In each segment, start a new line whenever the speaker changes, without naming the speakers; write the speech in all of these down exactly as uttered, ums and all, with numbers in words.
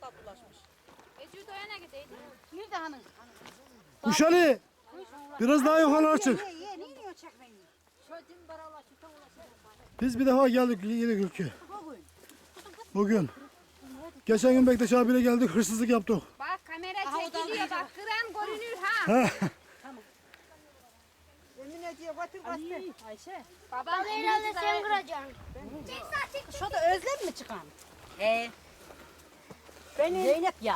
tatlılaşmış.
Ece doyana gideydi.
Nerede hanım?
Uşali. Biraz daha yukarı çık.
Ye ye ne yiyor çekmeyi?
Biz bir defa geldik yine Gülkü.
Bugün.
Bugün. Geçen gün Bektaş abiyle geldik, hırsızlık yaptık.
Bak kamera çekiliyor bak kıran görünür ha.
Ha.
Emine diye batır bastı.
Ayşe.
Babam
Herhalde sen kıracaksın.
Şurada Özlem mi çıkan?
He. Benim.
Zeynep ya.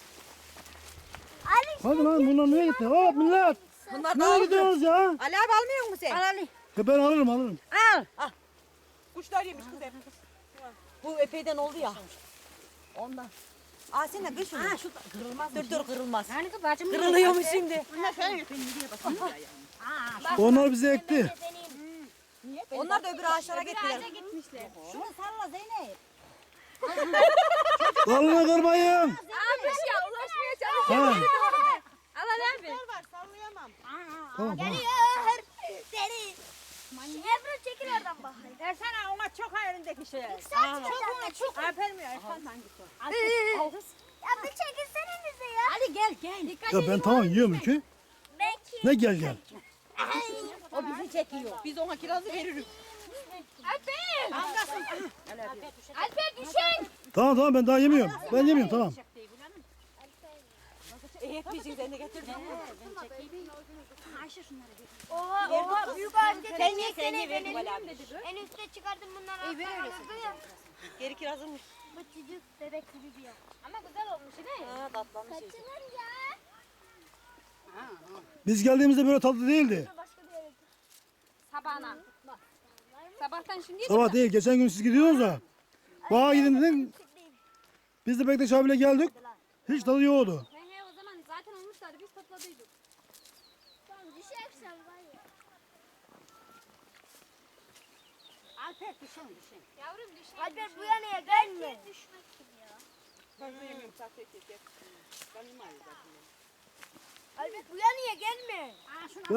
Hadi lan bunlar nereye gitti? Hop millet.
Bunlar
Nereye
dağıldı.
gidiyorsunuz ya?
Ali abi almıyor musun sen?
Ali.
Ya ben alırım alırım.
Al.
Kuşlar yemiş kız hep. Bu epeyden oldu ya. Ondan. Aa sen de kır şunu.
Ha şu kırılmaz.
Dur dur kırılmaz.
Yani kız bacım.
Kırılıyormuş şimdi.
Bunlar şöyle yapayım diye bakın. Aa,
Onlar bizi ekti.
Onlar da öbür ağaçlara gittiler.
gitmişler.
şunu salla Zeynep.
Dalını kırmayın.
Almış ya ulaşmaya çalışıyor.
Ha.
Al Ali abi.
var sallayamam.
Tamam tamam.
Deri. Ebru çekil oradan bak.
Versene ona çok hayalindeki şey.
Sen çok çok.
Aferin ya. Efendim hangisi o? Al kız.
Ya bir çekilsene bize ya.
Hadi gel gel.
Ya ben tamam yiyorum ki.
Belki.
Ne gel gel.
O bizi çekiyor.
Biz ona kirazı veririz.
Alper.
Algasın.
Alper düşen.
Tamam tamam ben daha yemiyorum. Ben yemiyorum tamam.
E hepimizin sen de getirdin.
Ayşe şunları bir.
Oha oha büyük ağaç getirdim.
Sen ye sen ye verdim Ali abi.
En üstte çıkardım bunları. İyi ver ya.
Geri kirazın.
Bu çocuk bebek gibi ya.
Ama güzel olmuş değil mi?
Ha tatlanmış. iyice.
Kaçınır ya.
Biz geldiğimizde böyle tatlı değildi.
Başka bir yere.
Sabahına. Sabahtan şimdi
Sabah değil geçen gün siz gidiyorsunuz ya. Bağa gidin dedin. Biz de Bektaş abiyle geldik. Hiç tadı yoktu.
He he o zaman zaten olmuşlardı biz topladıydık.
Tamam düşersen var ya.
Alper düşen düşen.
Yavrum düşen.
Alper bu yanaya gelme. Düşmek kim ya?
Ben de yemiyorum sahte kek. Ben yemeyiz zaten.
Alper bu yanaya gelme.
Aa şunu